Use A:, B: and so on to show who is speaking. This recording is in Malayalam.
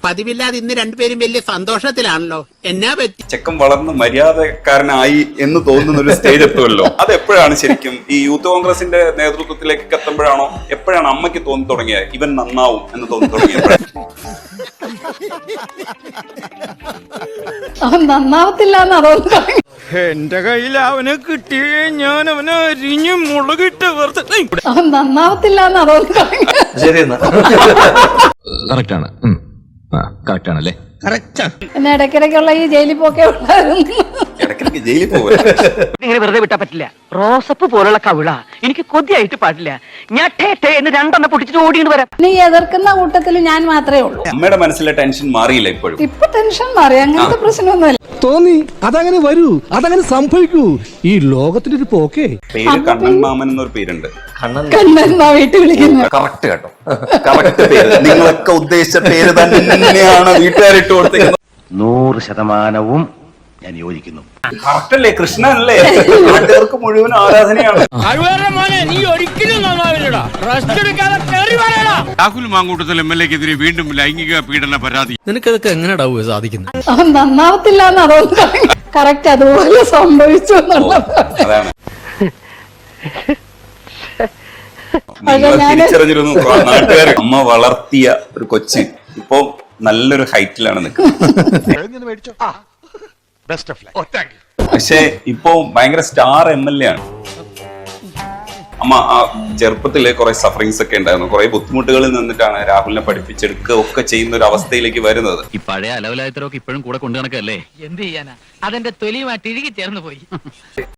A: പതിവില്ലാതെ ഇന്ന് രണ്ടുപേരും വലിയ സന്തോഷത്തിലാണല്ലോ. എന്നാ പറ്റി?
B: ചെക്കൻ വളർന്ന് മര്യാദക്കാരനായി എന്ന് തോന്നുന്ന ഒരു സ്റ്റേജ് എത്തുമല്ലോ. അത് എപ്പോഴാണ് ശരിക്കും ഈ യൂത്ത് കോൺഗ്രസിന്റെ നേതൃത്വത്തിലേക്ക് എത്തുമ്പോഴാണോ, എപ്പോഴാണ് അമ്മയ്ക്ക് തോന്നി തുടങ്ങിയത് ഇവൻ നന്നാവും എന്ന് തോന്നി തുടങ്ങിയത്?
C: അവൻ നന്നാവത്തില്ല എന്ന് അതോന്ന്.
D: എന്റെ കയ്യിൽ അവനെ കിട്ടിയേ ഞാൻ അവനെ അരിഞ്ഞു മുളകിട്ട്
C: അവൻ നന്നാവത്തില്ല എന്ന് അതോന്ന്.
E: കറക്റ്റാണ്, കറക്റ്റാണല്ലേ?
C: പിന്നെ ഇടയ്ക്കിടയ്ക്കുള്ള ഈ ജയിലിൽ പോക്കെ ഉണ്ടായിരുന്നു.
B: ഇടയ്ക്കിടയ്ക്ക് ജയിലിൽ പോവുക.
F: ഇങ്ങനെ വെറുതെ വിട്ടാ പറ്റില്ല. റോസപ്പ് പോലുള്ള കവിള എനിക്ക് കൊതിയായിട്ട് പാടില്ല. ഞാൻ ടേ എന്ന് രണ്ടെണ്ണം പൊട്ടിച്ചിട്ട് ഓടിയിട്ട് വരാം.
C: നീ എതിർക്കുന്ന കൂട്ടത്തിൽ ഞാൻ മാത്രമേ ഉള്ളൂ.
B: അമ്മയുടെ മനസ്സിലെ ടെൻഷൻ മാറിയില്ല ഇപ്പോഴും?
C: ഇപ്പൊ ടെൻഷൻ മാറി, അങ്ങനത്തെ പ്രശ്നമൊന്നുമില്ല.
G: തോന്നി അതങ്ങനെ വരൂ, അതങ്ങനെ സംഭവിക്കൂ. ഈ ലോകത്തിന്റെ ഒരു പോക്കേ.
B: പേര് കണ്ണൻ മാമൻ എന്നൊരു പേരുണ്ട്.
C: കണ്ണെന്നാ വീട്ടിൽ വിളിക്കുന്നത്.
B: കറക്റ്റ് കേട്ടോ, കറക്റ്റ് പേര്. നിങ്ങളൊക്കെ ഉദ്ദേശിച്ച പേര് തന്നെയാണ് വീട്ടുകാരിട്ട് കൊടുത്തേക്കുന്നത്.
H: 100% ഞാൻ യോജിക്കുന്നു.
B: കറക്റ്റ് അല്ലേ? കൃഷ്ണനല്ലേ? നാട്ടുകാർക്ക് മുഴുവൻ ആരാധനയാണ്.
D: നീ ഒരിക്കലും നന്നാവില്ലടാ. റെസ്റ്റ് എടുക്കാതെ കേറി വരടാ.
I: രാഹുൽ മാങ്കൂട്ടത്തിൽ MLA-ക്കെതിരെ വീണ്ടും ലൈംഗിക പീഡന പരാതി.
G: നിനക്കതൊക്കെ എങ്ങനെയാ സാധിക്കുന്നത്?
C: അവൻ നന്നാവത്തില്ല എന്ന് അതോന്ന്. കറക്റ്റ് അതുപോലെ സംഭവിച്ചു എന്നുള്ളത്.
B: അതാണ് നിങ്ങൾ തിരിച്ചറിഞ്ഞിരുന്നു. നാട്ടുകാർ അമ്മ വളർത്തിയ ഒരു കൊച്ച് ഇപ്പൊ നല്ലൊരു ഹൈറ്റിലാണ് നിൽക്കുന്നത്. പക്ഷെ ഇപ്പൊ ഭയങ്കര സ്റ്റാർ MLA ആണ്. അമ്മ ആ ചെറുപ്പത്തില് കുറെ സഫറിങ്സ് ഒക്കെ ഉണ്ടായിരുന്നു. കുറെ ബുദ്ധിമുട്ടുകളിൽ നിന്നിട്ടാണ് രാഹുലിനെ പഠിപ്പിച്ചെടുക്കുക ഒക്കെ ചെയ്യുന്ന ഒരു അവസ്ഥയിലേക്ക് വരുന്നത്.
E: ഈ പഴയ അലവലായത്തരൊക്കെ ഇപ്പോഴും കൂടെ കൊണ്ടു നടക്കല്ലേ?
F: എന്ത് ചെയ്യാനാ, അതെന്റെ തൊലിയുമായിട്ട് ഇഴുകി ചേർന്ന് പോയി.